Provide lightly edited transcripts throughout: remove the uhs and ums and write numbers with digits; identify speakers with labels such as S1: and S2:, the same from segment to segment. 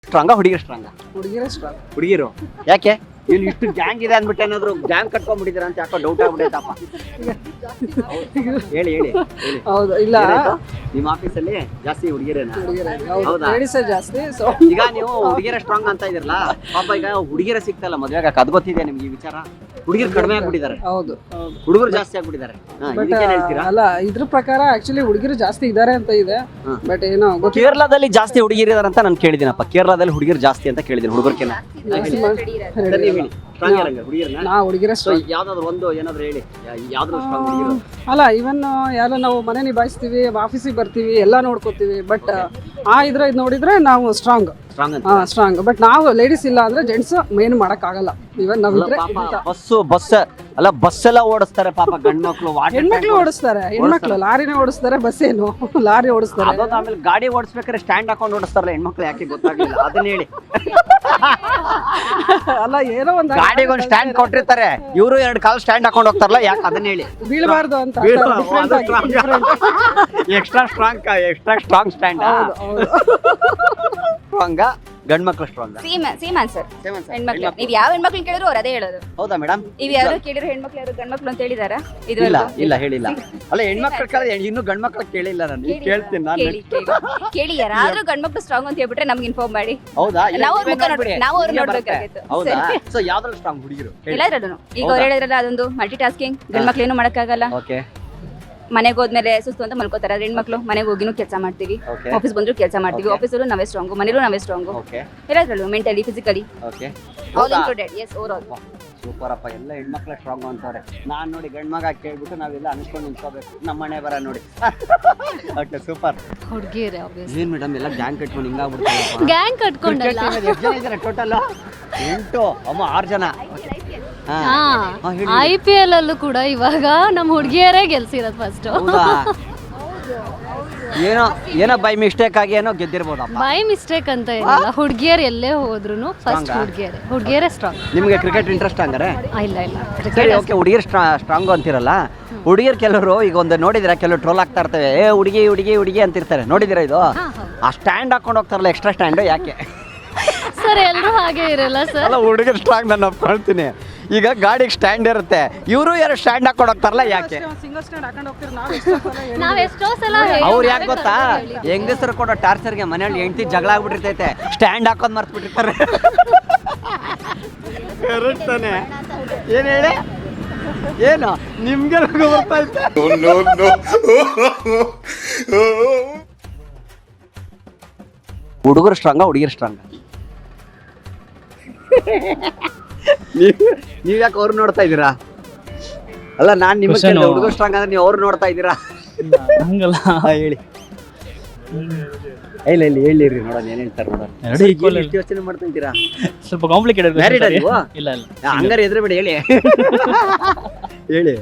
S1: ಸ್ಟ್ರಾಂಗಾ ಹುಡುಗಿರು ಸ್ಟ್ರಾಂಗಾ?
S2: ಹುಡುಗಿರೇ ಸ್ಟ್ರಾಂಗ್.
S1: ಹುಡುಗಿರು ಯಾಕೆ ಇಲ್ಲಿ ಇಷ್ಟು ಗ್ಯಾಂಗ್ ಇದೆ ಅಂದ್ಬಿಟ್ಟು ಏನಾದ್ರು ಗ್ಯಾಂಗ್ ಕಟ್ಕೊಂಡ್ಬಿಟ್ಟಿದ್ದೀರಾ ಅಂತ ಯಾಕೋ ಡೌಟ್ ಆಗ್ಬಿಟ್ಟೈತಪ್ಪ. ಹೇಳಿ ಹೇಳಿ ಹೇಳಿ.
S2: ಹೌದು, ಇಲ್ಲ
S1: ಏನಾಯ್ತು? ನಿಮ್ಮ ಆಫೀಸಲ್ಲಿ ಜಾಸ್ತಿ ಹುಡುಗಿರೇನಾ?
S2: ಹುಡುಗಿರೇ
S1: ಹೌದಾ?
S2: ಲೇಡೀಸೇ ಜಾಸ್ತಿ. ಸೊ
S1: ಈಗ ನೀವು ಹುಡುಗಿರ ಸ್ಟ್ರಾಂಗ್ ಅಂತ ಇದಿರಲ್ಲ, ಪಾಪ ಈಗ ಹುಡುಗಿರ ಸಿಗ್ತಲ್ಲ ಮದ್ವೆಗ, ಅದ್ ಗೊತ್ತಿದೆ ನಿಮ್ಗೆ ಈ ವಿಚಾರ? ಹುಡುಗಿರು ಕಡಿಮೆ ಆಗ್ಬಿಟ್ಟಿದ್ದಾರೆ,
S2: ಹೌದು ಹೌದು.
S1: ಹುಡುಗರು ಜಾಸ್ತಿ ಆಗ್ಬಿಟ್ಟಿದ್ದಾರೆ.
S2: ಬಟ್
S1: ಇದಕ್ಕೇನ್ ಹೇಳ್ತೀರಾ?
S2: ಅಲ್ಲ, ಇದ್ರ ಪ್ರಕಾರ ಆಕ್ಚುಲಿ ಹುಡುಗಿರು ಜಾಸ್ತಿ ಇದಾರೆ ಅಂತ ಇದೆ.
S1: ಹಾ.
S2: ಬಟ್ ಏನೋ ಗೊತ್ತಿಲ್ಲ.
S1: ಕೇರಳದಲ್ಲಿ ಜಾಸ್ತಿ ಹುಡುಗಿರು ಇದಾರೆ ಅಂತ ನಾನು ಕೇಳಿದ್ದೀನಪ್ಪ. ಕೇರಳದಲ್ಲಿ ಹುಡುಗಿರು ಜಾಸ್ತಿ ಅಂತ ಕೇಳಿದ್ದೀನಿ, ಹುಡುಗರ್ಕಿನ್ನ.
S2: ನಾ ಹುಡುಗಿರೇ ಸ್ಟ್ರಾಂಗ್.
S1: ಯಾವ್ದಾದ್ರು ಒಂದು ಏನಾದ್ರು ಹೇಳಿ, ಯಾವ್ದಾದ್ರು ಸ್ಟ್ರಾಂಗ್ ಹುಡುಗಿರು?
S2: ಅಲ್ಲ, ಇವನ್ ಎಲ್ಲ ನಾವು ಮನೆ ನಿಭಾಯಿಸ್ತೀವಿ, ಆಫೀಸಿಗೆ ಬರ್ತೀವಿ, ಎಲ್ಲ ನೋಡ್ಕೋತೀವಿ. ಬಟ್ ಇದ್ ನೋಡಿದ್ರೆ ನಾವು ಸ್ಟ್ರಾಂಗ್
S1: ಸ್ಟ್ರಾಂಗ್ ಅಂತ
S2: ಸ್ಟ್ರಾಂಗ್. ಬಟ್ ನಾವು ಲೇಡೀಸ್ ಇಲ್ಲ ಅಂದ್ರೆ ಜೆಂಟ್ಸ್ ಮೇನ್ ಮಾಡಕ್ ಆಗಲ್ಲ. ಇವನ್ ನಾವಿದ್ರೆ
S1: ಬಸ್ ಅಲ್ಲ, ಬಸ್ ಎಲ್ಲ ಓಡಿಸ್ತಾರೆ ಪಾಪ ಗಂಡ್ ಮಕ್ಳು.
S2: ಹೆಣ್ಮಕ್ಳು ಓಡಿಸ್ತಾರೆ, ಹೆಣ್ಮಕ್ಳು ಲಾರಿನೇ ಓಡಿಸ್ತಾರೆ, ಬಸ್ ಏನು ಲಾರಿ ಓಡಿಸ್ತಾರೆ.
S1: ಅದೊಂದು ಆಮೇಲೆ ಗಾಡಿ ಓಡಿಸ್ಬೇಕಾದ್ರೆ ಸ್ಟ್ಯಾಂಡ್ ಹಾಕೊಂಡು ಓಡಿಸ್ತಾರಲ್ಲ ಹೆಣ್ಮಕ್ಳು, ಯಾಕೆ ಗೊತ್ತಾಗ್ಲಿಲ್ಲ ಅದನ್ನ ಹೇಳಿ.
S2: ಅಲ್ಲ, ಏನೋ ಒಂದು
S1: ಗಾಡಿಗೆ ಒಂದು ಸ್ಟ್ಯಾಂಡ್ ಕೊಟ್ಟಿರ್ತಾರೆ, ಇವರು ಎರಡು ಕಾಲು ಸ್ಟ್ಯಾಂಡ್ ಹಾಕೊಂಡು ಹೋಗ್ತಾರಲ್ಲ, ಯಾಕೆ ಅದನ್ನ ಹೇಳಿ.
S2: ಬೀಳಬಾರ್ದು ಅಂತ
S1: ಎಕ್ಸ್ಟ್ರಾ ಸ್ಟ್ರಾಂಗ್ ಸ್ಟ್ಯಾಂಡ್. ಸ್ಟ್ರಾಂಗ್ ಗಂಡ್ ಮಕ್ಳು ಸ್ಟ್ರಾಂಗ್?
S3: Same answer. ಹೆಣ್ಮಕ್ಳು ನೀವ್ ಯಾವ ಹೆಣ್ಮಕ್ಳು ಕೇಳಿದ್ರು ಅವ್ರು ಅದೇ ಹೇಳೋದು.
S1: ಹೌದಾ ಮೇಡಮ್?
S3: ನೀವ್ ಯಾರು ಕೇಳಿದ್ರು ಹೆಣ್ಮಕ್ಳು ಯಾರು ಗಂಡ್ಮಕ್ಳು ಅಂತ ಹೇಳಿದಾರ?
S1: ಇಲ್ಲ ಇಲ್ಲ ಹೇಳಿಲ್ಲ. ಅಲ್ಲ, ಹೆಣ್ಮಕ್ಳು ಕೇಳಿದ್ರೆ ಇನ್ನು ಗಂಡ್ ಮಕ್ಳು ಕೇಳಿಲ್ಲ ನಾನು. ಈಗ ಕೇಳ್ತೀನಿ ನಾನು.
S3: ಕೇಳಿ ಯಾರಾದ್ರೂ ಗಂಡ್ಮಕ್ಳು ಸ್ಟ್ರಾಂಗ್ ಅಂತ ಹೇಳ್ಬಿಟ್ರೆ ನಮ್ಗೆ ಇನ್ಫಾರ್ಮ್ ಮಾಡಿ.
S1: ಹೌದಾ?
S3: ನಾವು ಅವ್ರು ನೋಡ್ಬೇಕಾಗಿತ್ತು.
S1: ಹೌದಾ? ಸೊ ಯಾವ್ದ್ರಲ್ಲಿ ಸ್ಟ್ರಾಂಗ್ ಹುಡುಗಿರು?
S3: ಎಲ್ಲಾದ್ರೂ ಈಗ ಅವ್ರು ಹೇಳಿದ್ರಲ್ಲ, ಅದೊಂದು ಮಲ್ಟಿ ಟಾಸ್ಕಿಂಗ್. ಗಂಡ್ಮಕ್ಳು ಏನು ಮಾಡಕ್ಕಾಗಲ್ಲ.
S1: ಓಕೆ.
S3: ಮನೆಗೆ ಹೋದ್ಮೇಲೆ ಸುಸ್ತು ಅಂತ ಮಲ್ಕೋತಾರೆ. ಅದ್ರ ಹೆಣ್ಮಕ್ಳು ಮನೆಗೆ ಹೋಗಿನೂ ಕೆಲಸ ಮಾಡ್ತೀವಿ, ಆಫೀಸ್ ಬಂದ್ರು ಕೆಲಸ ಮಾಡ್ತೀವಿ. ಆಫೀಸಲ್ಲೂ ನಾವೇ ಸ್ಟ್ರಾಂಗು, ಮನೇಲೂ ನಾವೇ ಸ್ಟ್ರಾಂಗು. ಎಲ್ಲಾದ್ರಲ್ಲೂ mentally, physically all included. Yes, over all.
S1: Super ಅಪ್ಪ, ಎಲ್ಲ ಹೆಣ್ಮಕ್ಳ ಸ್ಟ್ರಾಂಗ್ ಅಂತಾರೆ. ನಾನ್ ನೋಡಿ ಗಂಡ್ ಮಗ ಕೇಳ್ಬಿಟ್ಟು ನಾವೆಲ್ಲ ಅನ್ಸ್ಕೊಂಡು ನಿಂತ್ಕೋಬೇಕು, ನಮ್ಮ ಮನೆ ಬರ ನೋಡಿ. Okay, super.
S4: ಹುಡುಗಿರೇ
S1: ಏನ್ ಮೇಡಮ್ ಎಲ್ಲ ಗ್ಯಾಂಗ್ ಕಟ್ಕೊಂಡು ಹಿಂಗಾಗ್ಬಿಡ್ತಾರೆ?
S4: ಗ್ಯಾಂಗ್ ಕಟ್ಕೊಂಡಲ್ಲ,
S1: ಎಷ್ಟು ಜನ ಇದ್ದಾರೆ ಟೋಟಲ್? 8 ಅಮ್ಮ 6 ಜನ.
S4: IPL ಅಲ್ಲೂ ಕೂಡ ಇವಾಗ ನಮ್ಮ ಹುಡುಗಿಯರೇ ಗೆಲ್ಸಿರೋದು ಫಸ್ಟ್.
S1: ಏನೋ ಬೈ ಮಿಸ್ಟೇಕ್ ಆಗಿ ಏನೋ ಗೆದ್ದಿರ್ಬೋದಪ್ಪ.
S4: ಬೈ ಮಿಸ್ಟೇಕ್ ಅಂತ ಏನಿಲ್ಲ, ಹುಡುಗಿಯರು ಎಲ್ಲೇ ಹೋದ್ರು ಫಸ್ಟ್ ಹುಡುಗಿಯರೇ ಸ್ಟ್ರಾಂಗ್.
S1: ನಿಮ್ಗೆ ಕ್ರಿಕೆಟ್ ಇಂಟ್ರೆಸ್ಟ್ ಹಂಗಾರೆ?
S4: ಇಲ್ಲ ಇಲ್ಲ.
S1: ಸರಿ, ಓಕೆ. ಹುಡುಗಿಯರು ಸ್ಟ್ರಾಂಗ್ ಅಂತಿರಲ್ಲ, ಹುಡುಗಿಯರು ಕೆಲವರು ಈಗ ಒಂದು ನೋಡಿದಿರಾ, ಕೆಲವರು ಟ್ರೋಲ್ ಆಗ್ತಾ ಇರ್ತವೆ, ಹುಡುಗಿ ಹುಡುಗಿ ಹುಡುಗಿ ಅಂತಿರ್ತಾರೆ, ನೋಡಿದಿರಾ? ಇದು ಆ ಸ್ಟ್ಯಾಂಡ್ ಹಾಕೊಂಡು ಹೋಗ್ತಾರಲ್ಲ, ಎಕ್ಸ್ಟ್ರಾ ಸ್ಟ್ಯಾಂಡ್, ಯಾಕೆ
S4: ಸರ್? ಎಲ್ಲರೂ ಹಾಗೆ ಇರಲ್ಲ ಸರ್.
S1: ಅಲ್ಲ, ಹುಡುಗರು ಸ್ಟ್ರಾಂಗ್ ನಾನು ಒಪ್ಕೊಳ್ತೀನಿ. ಈಗ ಗಾಡಿಗೆ ಸ್ಟ್ಯಾಂಡ್ ಇರುತ್ತೆ, ಇವರು ಯಾರು ಸ್ಟ್ಯಾಂಡ್ ಹಾಕೊಂಡು ಹೋಗ್ತಾರಲ್ಲ, ಯಾಕೆ?
S2: ಸಿಂಗಲ್ ಸ್ಟ್ಯಾಂಡ್ ಹಾಕೊಂಡು ಹೋಗ್ತೀವಿ
S4: ನಾವ್ ಎಷ್ಟೋ ಸಲ
S1: ಅವ್ರು ಯಾಕೆ ಗೊತ್ತಾ, ಹೆಂಗಸರು ಕೊಡೋ ಟಾರ್ಚರ್ಗೆ ಮನೆಯಲ್ಲಿ ಹೆಂಡತಿ ಜಗಳ ಆಗ್ಬಿಟ್ಟಿರ್ತೈತೆ, ಸ್ಟ್ಯಾಂಡ್ ಹಾಕೋದ್ ಮರ್ತು ಬಿಟ್ಟಿರ್ತಾರೆ. ತಾನೆ? ಏನ್ ಹೇಳಿ, ಏನು ನಿಮ್ಗೆ ಬರ್ತಾ ಇತ್ತು? ಹುಡುಗರು ಸ್ಟ್ರಾಂಗ ಹುಡುಗಿರು ಸ್ಟ್ರಾಂಗ? ನೀವ್ ಯಾಕೆ ಅವ್ರು ನೋಡ್ತಾ ಇದ್ದೀರಾ? ಅಲ್ಲ, ನಾನ್ ನಿಮ್ಗೆ ಹುಡುಗರು ಸ್ಟ್ರಾಂಗ್ ಅಂದ್ರೆ ನೀವು ಅವ್ರು ನೋಡ್ತಾ ಇದ್ದೀರಾ?
S5: ಹಂಗಲ್ಲ,
S1: ಹೇಳಿ. ಇಲ್ಲ ಇಲ್ಲ, ಹೇಳಿರಿ ನೋಡೋಣ ಏನ್ ಹೇಳ್ತಾರೆ ನೋಡೋಣ. ಎಷ್ಟು ಯೋಚನೆ ಮಾಡ್ತಾ ಇದ್ದೀರಾ?
S5: ಸ್ವಲ್ಪ ಕಾಂಪ್ಲಿಕೇಟೆಡ್.
S1: ಮ್ಯಾರಿಡ್ ನೀವು?
S5: ಇಲ್ಲ ಇಲ್ಲ.
S1: ಹಂಗಾರೆ ಎದುರು ಬಿಡಿ, ಹೇಳಿ ಹೇಳಿ.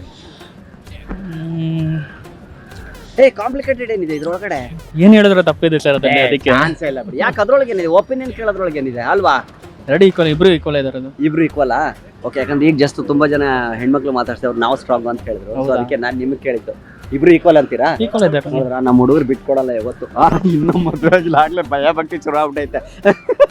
S1: ಕಾಂಪ್ಲಿಕೇಟೆಡ್ ಏನಿದೆ ಇದ್ರೊಳಗಡೆ?
S5: ಏನ್ ಹೇಳಿದ್ರೆ ತಪ್ಪಿದೆ ಸರ್, ಅದಕ್ಕೆ
S1: ಆನ್ಸರ್ ಇಲ್ಲ ಬಿಡಿ. ಯಾಕೆ ಅದ್ರೊಳಗೆ ಏನಿದೆ? ಒಪಿನಿಯನ್ ಕೇಳೋದ್ರೊಳಗೆ ಏನಿದೆ ಅಲ್ವಾ?
S5: ಎರಡು ಈಕ್ವಲ್, ಇಬ್ರು ಈಕ್ವಲ್ ಇದಾರೆ.
S1: ಇಬ್ರು ಈಕ್ವಲ್? ಓಕೆ. ಯಾಕಂದ್ರೆ ಈಗ ಜಸ್ಟ್ ತುಂಬಾ ಜನ ಹೆಣ್ಮಕ್ಳು ಮಾತಾಡ್ತಿದ್ರು, ನಾವು ಸ್ಟ್ರಾಂಗ್ ಅಂತ ಹೇಳಿದ್ರು, ಸೊ ಅದಕ್ಕೆ ನಾನು ನಿಮಗೆ ಕೇಳಿದ್ದು. ಇಬ್ರು ಈಕ್ವಲ್ ಅಂತೀರಾ?
S5: ಈಕ್ವಲ್ ಇದ್ದಾರೆ.
S1: ನಮ್ಮ ಹುಡುಗರು ಬಿಟ್ಕೊಡಲ್ಲ ಯಾವತ್ತು. ಇನ್ನೂ ಮದುವೆ ಆಗಿಲ್ಲ, ಆಗ್ಲೇ ಭಯ ಭಕ್ತಿ ಶುರು ಆಗ್ಬಿಟ್ಟೈತೆ.